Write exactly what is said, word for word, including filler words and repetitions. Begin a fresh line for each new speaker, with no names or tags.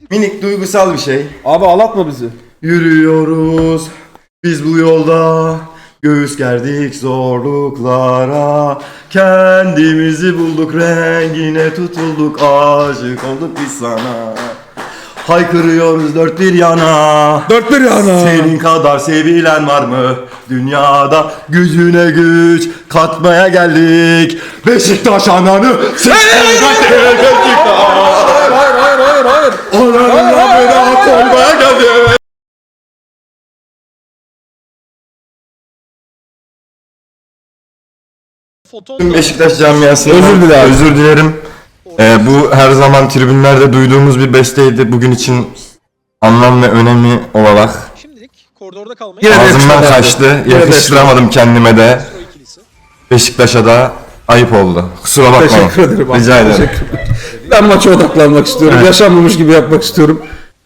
Minik duygusal bir şey.
Abi ağlatma bizi.
Yürüyoruz biz bu yolda, göğüs gerdik zorluklara, kendimizi bulduk, rengine tutulduk, aşık olduk biz sana. Haykırıyoruz dört bir yana,
Dört bir yana.
senin kadar sevilen var mı dünyada? Gücüne güç katmaya geldik, Beşiktaş ananı Beşiktaş.
Hayır hayır hayır hayır hayır.
Ananın amına koymaya geldik. Tüm Beşiktaş camiasına
Özür dilerim.
özür dilerim. Ee, bu her zaman tribünlerde duyduğumuz bir besteydi. Bugün için anlam ve önemi olarak
Şimdilik koridorda kalmayı
Yine de
ağzımdan
yakıştıramadım.
kaçtı.
Yine de
Yakıştıramadım kendime de.
o ikilisi.
Beşiktaş'a da ayıp oldu. Kusura bakma.
Teşekkür ederim abi.
Rica ederim.
Teşekkür ederim. Ben maça odaklanmak istiyorum.
Evet.
Yaşanmamış gibi yapmak istiyorum.